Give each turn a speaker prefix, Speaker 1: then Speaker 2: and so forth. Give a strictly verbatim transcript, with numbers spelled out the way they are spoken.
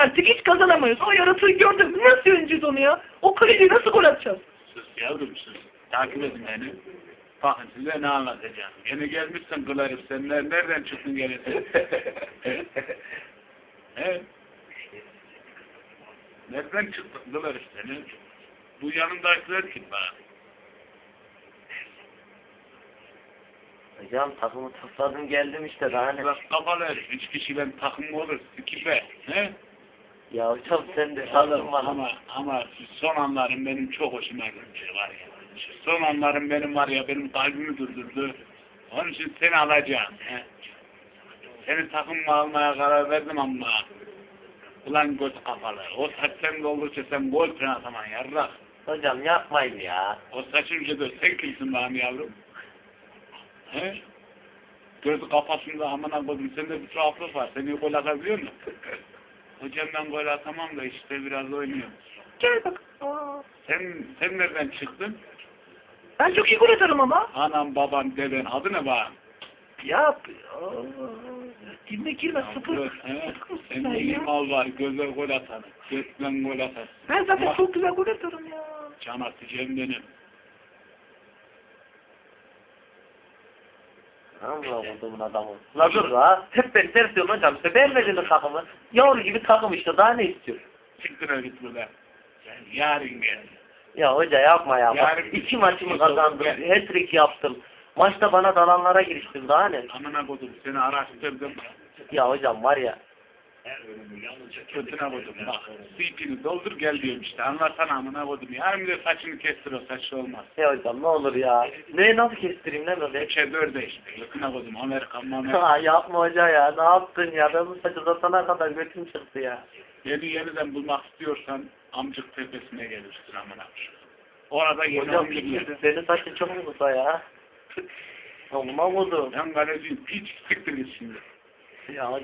Speaker 1: artık hiç kazanamayız. O yaratığı gördüm. Nasıl yeneceğiz onu ya? O kaleciyi nasıl gol atacağız?
Speaker 2: Sus yavrum sus. Takip edin beni. Bakın size ne anlatacağım. Yeni gelmişsin kılarım. Sen ner- nereden çıktın gelirsin? He? Nereden çıktın kılarım seni? Bu yanındakiler kim bana?
Speaker 3: Hocam takımı topladım geldim işte daha ne?
Speaker 2: Bak kafalı herif. Üç kişiyle takım olur. İki be. He?
Speaker 3: Ya hocam sen de
Speaker 2: Oğlum,
Speaker 3: takım var.
Speaker 2: ama, ama şu son anlarım benim çok hoşuma gitti var ya. Şu son anlarım benim var ya, benim kalbimi durdurdu. Onun için seni alacağım. He. Seni takımıma almaya karar verdim ama ulan göt kafalı. O saç sen doldursa sen gol falan ataman yarrak.
Speaker 3: Hocam yapmayın ya.
Speaker 2: O saçın ucu sen kimsin benim yavrum? He? Gözü kafasında amına koydum. Sende bir tuhaflık var. Sen iyi gol atabiliyor musun? Hocam ben gol atamam da işte biraz oynuyorum.
Speaker 1: Gel bak. Aa,
Speaker 2: Sen sen nereden çıktın?
Speaker 1: ben çok iyi gol atarım ama.
Speaker 2: Anam babam deden adı ne bana?
Speaker 1: Yap. Aa, girme girme sıfır.
Speaker 2: He?
Speaker 1: Sıfır mısın
Speaker 2: Sen
Speaker 1: sen
Speaker 2: iyi
Speaker 1: ya?
Speaker 2: mal var, göze gol atar. Gökten gol atar.
Speaker 1: Ben zaten
Speaker 2: Bak,
Speaker 1: çok güzel gol atarım ya.
Speaker 2: can atacağım benim.
Speaker 3: Allah buldum adamı. La dur la. Hep beni ters diyorsun hocam. İşte beğenmedin takımı. Yavru gibi takım işte. Daha ne istiyor?
Speaker 2: Çıktın git buradan. Sen yarın gel.
Speaker 3: Ya hoca yapma ya. Bak,
Speaker 2: Yarın-
Speaker 3: iki maçımı kazandım. Hat-trick yaptım. Maçta bana dalanlara giriştim. Daha ne?
Speaker 2: Amına koydum seni araştırdım.
Speaker 3: Ya hocam var ya.
Speaker 2: Kötüne koydum bak. C P'ni doldur gel diyorum işte. Anlatsana amına koydum. Yarın bir de saçını kestir, o saçlı olmaz.
Speaker 3: Ya hocam ne olur ya. Ne nasıl kestireyim ne böyle?
Speaker 2: Üçe dörde işte. Kötüne koydum. Amerikan Amerikan.
Speaker 3: Ha yapma hoca ya. Ne yaptın ya? Ben bu saçı uzatana kadar götüm çıktı ya.
Speaker 2: Yeni yeniden bulmak istiyorsan amcık tepesine gelirsin amına. Orada yeni
Speaker 3: Hocam
Speaker 2: amcık yedi.
Speaker 3: senin saçın çok mu kısa ya? Olma oldu.
Speaker 2: Ben kaleciyim. Hiç siktir git şimdi.
Speaker 3: Ya